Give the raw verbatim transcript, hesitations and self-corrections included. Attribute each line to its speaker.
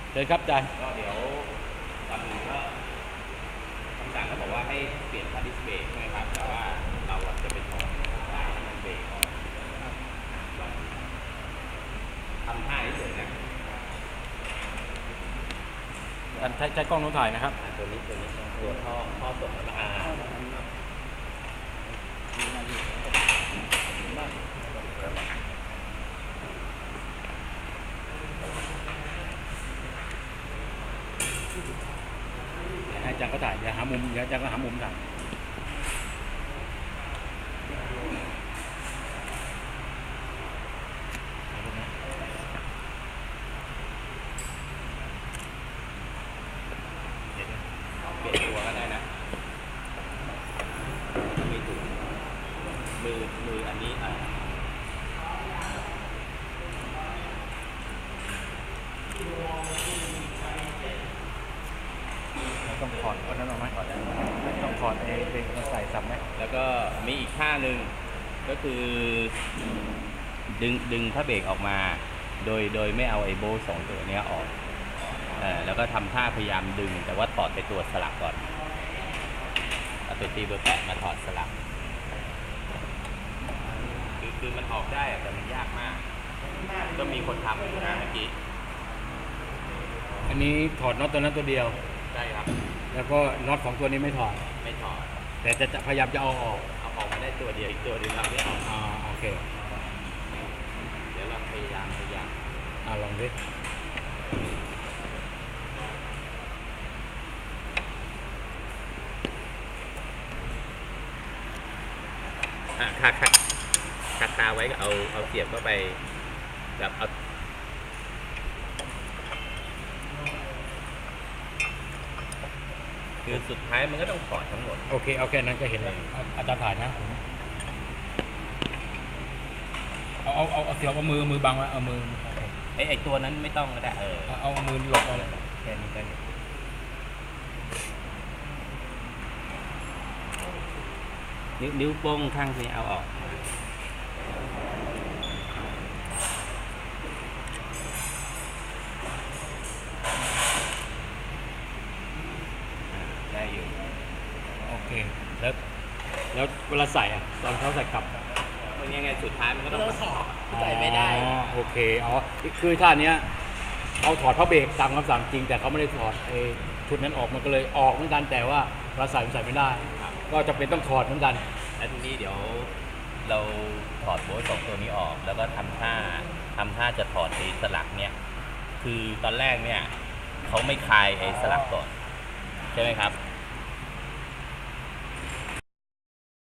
Speaker 1: เชิญครับอาจารย์
Speaker 2: ก็เดี๋ยวตอนนี้ก็คำสั่งก็บอกว่าให้เปลี่ยนพาร์ทดิสเบรกใช่ไหมครับแต่ว่าเราจะเป็นของสายน้ำมันเบรกลองทำท่าเฉยๆนะ
Speaker 1: การใช้ใช้กล้องโน้ตถ่ายนะครับ
Speaker 2: ตัวนี้ตัวนี้ตัวท่อท่อส่งมาอา
Speaker 1: อาจารย์ก็ถ่ายอย่าหามุมอย่าอาจารย์ก็หามุมถ่าย
Speaker 2: เปลี่ยนตัวก็ได้นะไม่ถูกมือมืออันนี้อ่ะ
Speaker 1: ต้องถอดอันนั้นออกไหมต้องถอดเองเองมาใส่ซ้ำไหม
Speaker 2: แล้วก็มีอีกท่าหนึ่งก็คือดึงดึงผ้าเบรกออกมาโดยโดยไม่เอาไอ้โบสองตัวนี้ออกเออแล้วก็ทำท่าพยายามดึงแต่ว่าถอดไปตัวสลักก่อนเอาตัวตีเบอร์แปดมาถอดสลักคือคือมันออกได้แต่มันยากมากก็มีคนทำอยู่นะเมื่อกี้
Speaker 1: อันนี้ถอดน็อตตัวนั้นตัวเดียว
Speaker 2: ใช่ครับ
Speaker 1: แล้วก็น็อตของตัวนี้ไม่ถอด
Speaker 2: ไม่ถอด
Speaker 1: แต่จะจะพยายามจะเอาออก
Speaker 2: เอาออกมาได้ตัวเดียวอีกตัวนึงเราไม่เอา
Speaker 1: อ่าโอเค
Speaker 2: เดี๋ยวเราพยายามพยายาม
Speaker 1: อ่าลองดิ
Speaker 2: อ่ะคาคาคาคาไว้ก็เอาเอาเสียบเข้าไปแบบเอาคือสุดท้ายมันก็ต้องถอดทั้งหมด
Speaker 1: โอเคโอเคนั้นก็เห็นแล้วอาจารย์ถ่ายนะเอาเอาเอาเสียบเอามือมือบังไว้เอามือ
Speaker 2: ไอไอตัวนั้นไม่ต้องก็ได้เออ
Speaker 1: เอามือหลบเอา
Speaker 2: แค่นี้ก็นิ้วนิ้วโป้งข้างนี้เอาออกได้อยู่
Speaker 1: โอเคแล้วแล้วเวลาใส่อ่ะตอนเขาใส่กลับ
Speaker 2: มันยังไงสุดท้ายมันก็ต้องถอดใส่ไม่ได้
Speaker 1: อ๋อโอเคอ๋อคือท่านี้เอาถอดผ้าเบรกตามคำสั่งจริงแต่เขาไม่ได้ถอดไอ้ชุดนั้นออกมันก็เลยออกเหมือนกันแต่ว่าเราใส่ใส่ไม่ได้ก็จะเป็นต้องถอดเหมือนกัน
Speaker 2: แล้วทีนี้เดี๋ยวเราถอดโบสสองตัวนี้ออกแล้วก็ทำท่าทำท่าจะถอดไอ้สลักเนี่ยคือตอนแรกเนี่ยเขาไม่คลายไอ้สลักก่อนใช่ไหมครับ